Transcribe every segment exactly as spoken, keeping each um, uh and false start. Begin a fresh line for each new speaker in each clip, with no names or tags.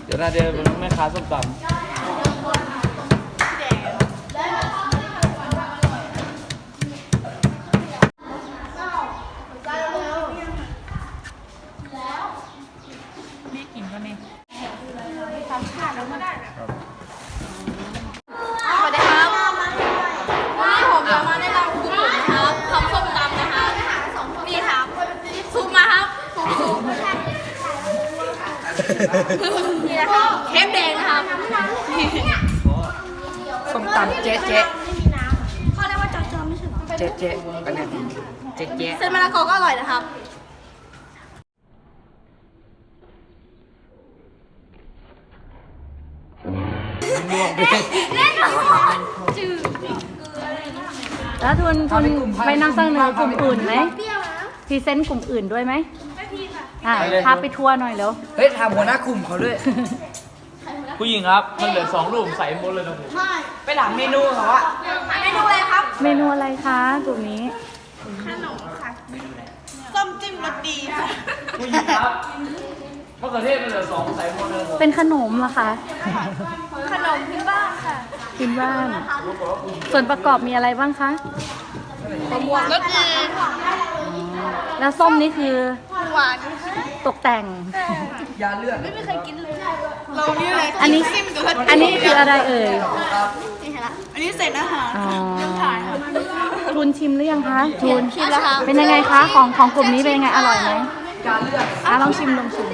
เดี๋ยวนาเดียเป็นแม่ค้าส้มตำ
นี่กินก็เนี่ย
สวัสดีครับวันนี้ผมจะมาแนะนำคุณนะครับทำส้มตำนะครับนี่ครับซูมมาครับซูมนี่นะครับเทปแดงนะครับ
ส้มตำเจ๊เจ๊
เขาเรียกว่าจอจอไม่ใช่หรอ
เจ๊เจ๊กันเนี่ยเจ๊เจ๊
เส้นมะละกอก็อร่อยนะครับเล่นหรอจืด
แล้วทุนทุนไปนั่งเสนอกลุ่มอื่นไหมพรีเซนต์กลุ่มอื่นด้วยไหมอ่าพาไปทัวร์หน่อยเร็ว
เฮ้ยถามหัวหน้ากลุ่มเขาด้วย
ผู้หญิงครับมันเหลือสองลูกใส่หมดเลยนะผม
ไปถามเมนูเขาอะ
เมนูอะไรครับ
เมนูอะไรคะกลุ่มนี้
ส้มจิ้มรสดีค่ะ
ผู้หญิงครับมะเขือเทศมันเหลือสองใส่หมดเลยผม
เป็นขนมเหรอคะ
ขนมพื้นบ้านค่ะ
กินบ้าน ส่วนประกอบมีอะไรบ้างคะ
รสดี
แล้วส้มนี่คือ
หวาน
ตกแต่ง
ยาเลือด
ไม่เคยกินเลยเรานี่เลย
อันนี้อันนี้คืออะไรเอ่ย
อันนี้เสร็จแล้วค่ะ
อ๋อทุนชิมหรือยังคะทุน
ชิมแล้วค่ะ
เป็นยังไงคะของของกลุ่มนี้เป็นยังไงอร่อยไหม
ยาเลือด
อ่ะลองชิมลองชิม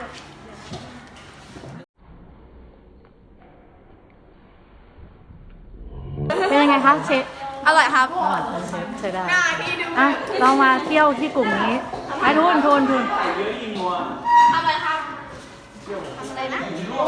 เป็นยังไงคะเชฟ
อร่อยครับ
ใช่ได้อ่ะเรามาเที่ยวที่กลุ่มนี้ไอ้ทุนทุนทุน
อร่อยครับอะไรนะ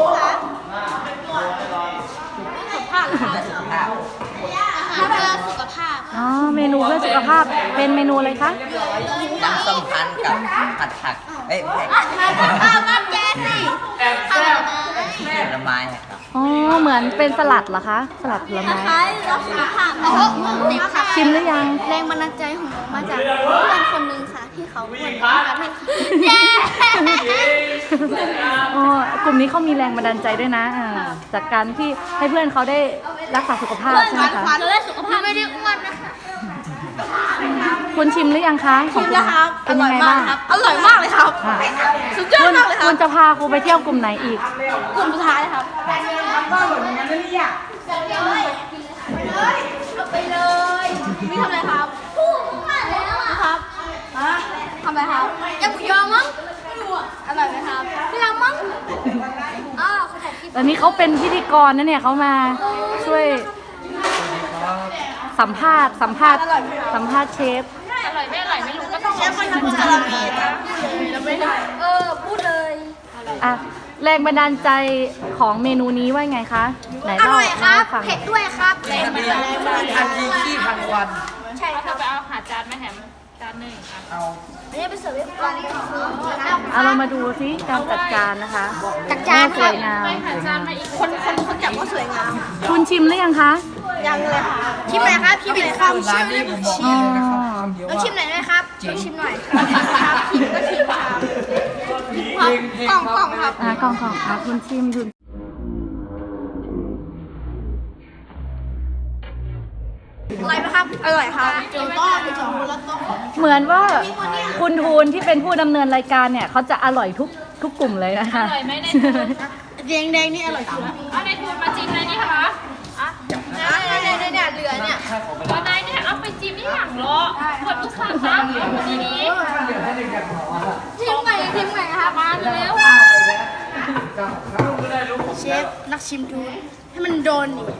สุขภาพค่ะเพื่อสุขภาพ
อ๋อเมนูเพื่อสุขภาพเป็นเมนูอะไรคะ
น้ำส้มพันกับผัดผักเอ้ยไม่
ข้าวกับแกสิ
แอบแซ่บ
ผลไม้ครับ
อ๋อเหมือนเป็นสลัดเหรอคะสลัดผลไม้
คล้ายรักสุขภาพเพราะเด็กค่ะ
ชิมหรือยัง
แรงบันดาลใจของหนูมาจากเพื่อนคนหนึ่งค่ะ ที่เขาอ้วนมากที่เย้
อ๋อกลุ่มนี้เขามีแรงบันดาลใจด้วยนะอ่าจากการที่ให้เพื่อนเขาได้รักษาสุขภาพใช่ไหมคะ
เราได้สุขภาพไม่ได้อ้วนนะคะ
คุณชิมหรือยังคะของคุณเป็นยังไงบ้าง
อร่อยมากเลยครับ
อ่ะ
สุดยอด
คุณ
มากเลยครั
คุ
บ
ณจะพาครูไปเที่ยวกลุ่มไหนอีก
กลุ่มสุดท้ายเลยครับเอาไปเลยนี่ทำอะไรครับพูดมาแล้วอ่ะครับทำอะไรครับยังหมูยอมั้งอร่อยไหมครับพี่รังมั้งอ๋อเขาถ่ายคลิป
ตอนนี้เขาเป็นพิธีกรนะเนี่ยเขามาช่วยสัมภาษณ์สัมภาษณ์สัมภาษณ์เชฟ
อร่อยไม่อร่อยไม่รู้ก็ต้องเชฟคนทำจาระเบีนะไม่ได้เออพูดเลย
อ่ะแรงบันดาลใจของเมนูนี้ว่าไงคะไหน
อ
เล่า
ร่อยครับ
เล่าให้ฟัง
เผ็ดด้วยครับแรง
ทัน
บัน
ที
ดาลใจ
ทันทีขี้พันควัน
ใช่ครับ
ไปเอาหาจานมาแถมจานหนึ่งค่ะ
เอา
อันนี้ไปเสิร์ฟให้ฟัง
เอาเรามาดูซิการจัดการนะคะ
จัดจาน
ส
ครั
ว
บ
ยงาม
ไปหาจานมาอีก
คนคนคนจับก็สวยงาม
คุณชิมหรือยังคะ
ยังเลยค่ะชิมหน่อยครับชิมหน่อยครับ
ร้านนี้ผมบอกเลยนะครับคำเดียว
ต้อง
ว่า
ชิมหน่อยไหมครับต้องชิมหน่อยครับชิมก็ชิมครับกล่องกล่องครับ
อ่ะกล่องของอ่ะคุณชิมคุณ
อร่อยไหมครับอร่อยครับเดี๋ยวต้อนเดี๋ยวจะมูแล้วต้อน
เหมือนว่าคุณทูนที่เป็นผู้ดำเนินรายการเนี่ยเขาจะอร่อยทุกทุกกลุ่มเลยนะคะ
อร่อยไหมในทูน
แดงแดงนี่อร่อยสุดแล้ว
เอาในทูนมาจิ้มเลยนี่ค่ะอ่ะ
เนี่ยเนี่ยเนี่ยเหลือเนี่ย
ตอนไหนเนี่ยเอาไปจิ้มที่หลังล้อเปิดลูกสาวนะดีนี้
ชิมใหม่ชิมใหม่ครับ
มาเร็ว
เชฟนักชิมดูให้มันโดนนี่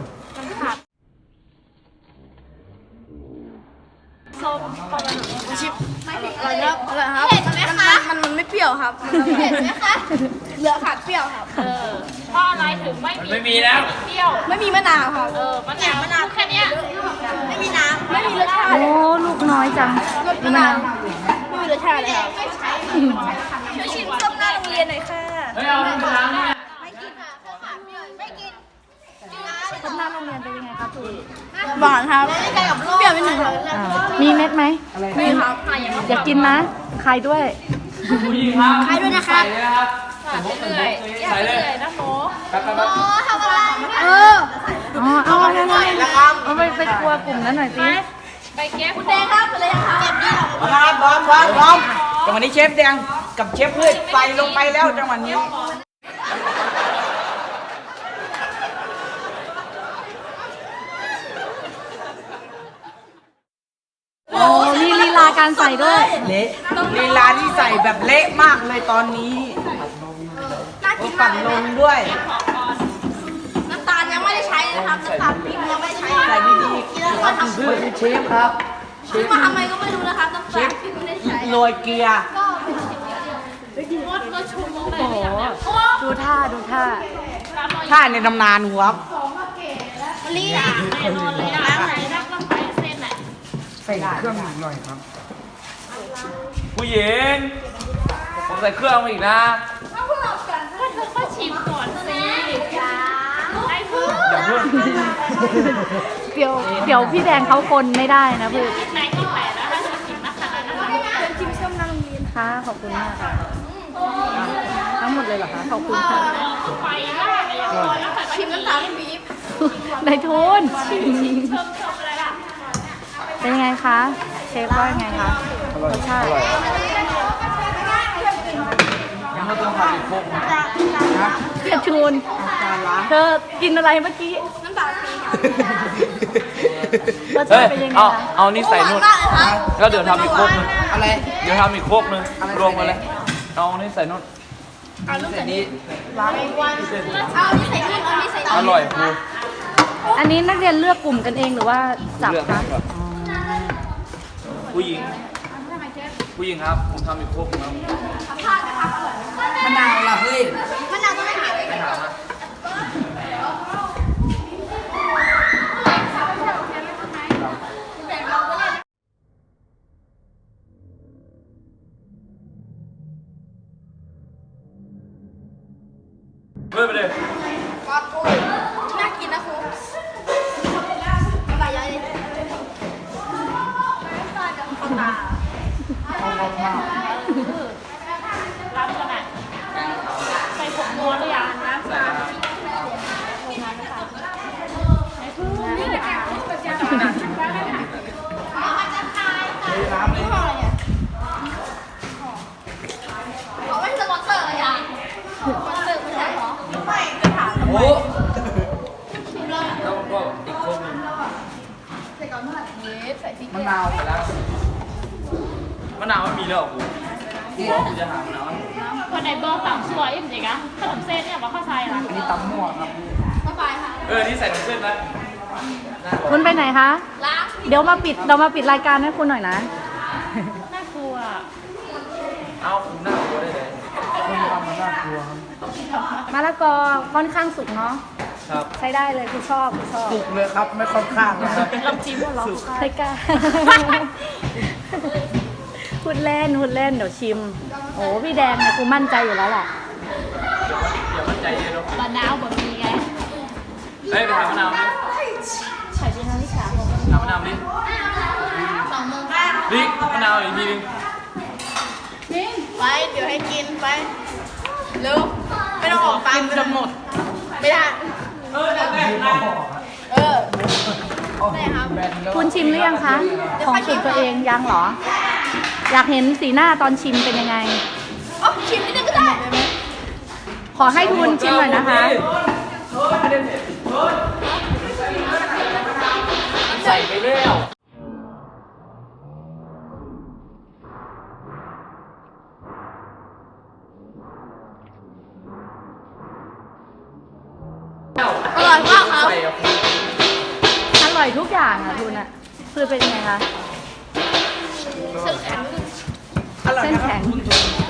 ส้มประมาณ
ชิมอร่อยครับอร่อยครับเผ็ดไหมคะมันมันไม่เปรี้ยวครับเผ็ดไหมคะเหลือขาดเปรี้ยวครับ
เออเพราะอะไรถึงไม่มี
ไม่มีแล้ว
เปรี้ยว
ไม่มีมะนาวครับ
เออมะนาวมะนาวแค่เนี้ย
ไม่มีน้ำไม่มีรสชาติ
โอ้ลูกน้อยจัง
รสมะนาวไม่มีรสชาติเลยครับช่วยชิมส้มหน้าโรงเรียนหน่อยค่ะ
เฮ้ยเอาน้ำล้างเนี่ย
ไม่กินค่ะข้าวขาเปรี้ยวไม่กิน
คนหน้าโรงเรียนเป็นยังไงคะทูน
หวานครับเปรี้ยวนิดหนึ่งครับ
อ่ามีเม็ดไหม
มีครับ
อยากกินนะใครด้วย
ผู้หญิงครับ
ใครด้วยนะคะ
ใส่เลยนะครับ
ใส่
เรื่อยๆ
ใส่เลย
นะโม
แป๊บแป๊บแป๊บ
ทำอะไรเออ
อ๋อเอาเอาเอาเอาไปไปครัวกลุ่มนั้นหน่อยสิ
ไปเก็บ
คุณแดงครับเลยครับเก็บดี
ครับพร้อมพร้อมพร้อมจังหวะนี้เชฟแดงกับเชฟพืชใส่ลงไปแล้วจังหวะนี้
โอ้มีลีลาการใส่ด้วย
เละลีลาที่ใส่แบบเละมากเลยตอนนี้
น่า
โอ้
กิน
ปั่
มาก
นลงด้วย
น้ำตาลยังไม่ได้ใช้นะครับน้ำตาลปี๊บยังไม่ได้ใช้
ใส่ดี
กินแล้วก็ทำ
คือเชฟครับ
ซื้อมาทำไมก็ไม่รู้นะครับน้ำตาลปี๊บไม่ได้ใช้
ๆโรยเกลือ
มดก็ชุมลงไป
โอ้โห ดูท่าดูท่า
ถ้าในตำนานครับ
มะลิ
แน่นอนเลยอ่ะไหนรักลำไปเส้นไหน
ใส่เครื่องหน่อยครับ
ผู้หญิงผมใส่เครื่องมาอีกนะ
ก็เธอก็ชิมก่อนสิไอ้เพื่อน
อย่าเพิ่ง
เดี๋ยวเดี๋ยวพี่แดงเขาคนไม่ได้นะเพื่อน
คิดไหนคิดไหนแล้วถ้าเธอชิมนะคะนะคะ
ชิมส้มนั่งกิน
ค่ะขอบคุณมากค่ะ ทั้งหมดเลยเหรอคะ ขอบคุณค่ะ
ไปล่าอะไรอย่างเงี้ยแล้วใส่
ชิมน้ำตาลปี๊บ
นายทุน
เชิมเชิมอะไรล่ะ
เป็นยังไงคะ เชฟว่ายังไงคะรสชาติ
ยังไม่ต้องทำอีกพวกนะ
เชฟทูนเธอกินอะไรเมื่อกี้
น้ำตาลปี๊บ
รส
เฮ้
ชาย ติเป็นยังไง
เอา
คะ
เอานี่ใส่นู่น
มากเลยครับ
แล้วเดี๋ยวทำอีกพวกนึง
อะไร
เดี๋ยวทำอีกพวกนึงรวมกันเลยเอานี่ใส่นู่น
ใส่นี้
เอานี่ใส่นู่นเอานี่ใส่
อร่อยครู
อันนี้นักเรียนเลือกกลุ่มกันเองหรือว่าจับ
เลือก
คะ
ครับผู้หญิง ผู้หญิงครับ ผมทำอีกพวกนึงครับ
มะนาวล่ะเฮ้ย
มะนาวต้องไม่หาเลย
ไม่ถามนะเฮ้ยไปเลย
ก็โอ้ยน่ากินนะครูน้ำลายย้อยเลยเข้าตา
รับขนาดใส่ผงนัวหรือยังนะ
ใส่นะครับ
ยี่ห้ออะไรเนี่ยเขาไม่สปอนเซอร์เลยอ่ะสปอนเซอร์ไม่ใช่เหรอไม่ไม่ถาม
โอ้แล้วก็อีกพวกนึง
ใส่ก่อนเมื่อไหร่นี้ใส่พริก
มะนาว
ไปแล้วมะนาวไม่มีแล้วเหรอครูครูบอกครูจะหามะนาวให้ผม
คนไหนบอกต่างช่วยจริงๆอะขนมเส้นเนี่ยมาเข้าใจละ
อันนี้ตำมั่วครับ
บ๊ายบายค่ะ
เออ นี่ใส่น้ำเส้นนะ
คุณไปไหนคะ
ล้าง
เดี๋ยวมาปิดเรามาปิดรายการให้คุณหน่อยนะ
น่ากลัว
เอาคุณหน้าตัวได้เลย
คุณทำมันน่ากลัวครับ
มะละกอค่อนข้างสุกเนาะ
ครับ
ใช้ได้เลยคุณชอบคุณชอบ
สุกเลยครับ ไม่ค่อนข้างนะครับ
ลำจิ้มเหรอ
ไม่กล้า พูดเล่นพูดเล่นเดี๋ยวชิม โอ้พี่แดงเนี่ยกูมั่นใจอยู่แล้วแหละ
เดี๋ยวมันใจเย็นเนาะ
บะนาวบะมีไง
เฮ้ยไปหามะนาวดิ
ใส่เป็นน้ำวิชาของ
หามะนาวดิ
สองโมงบ้าง
ดิมะนาวอีกทีนึง
ไป เดี๋ยวให้กินไปเร็วไม่ต้องออกตังค์จะหมด ไม่ได้
เออแต่แต่แต่
เออได้ครับ
คุณชิมหรือยังคะ ของสูตรตัวเองยังเหรอ อยากเห็นสีหน้าตอนชิมเป็นยังไง
อ๋อชิมนิดนึงก็ได้
ขอให้ทุนชิมหน่อยนะคะ
ใส่ไปแล้ว
อร่อยมากครับ
ใส่อะคุณ
อร่อยทุกอย่างอ่ะทุนอ่ะคือเป็นยังไงคะ
เส้นแข็ง
อร่อย
เส้น
นะค
แข็
รับ
ง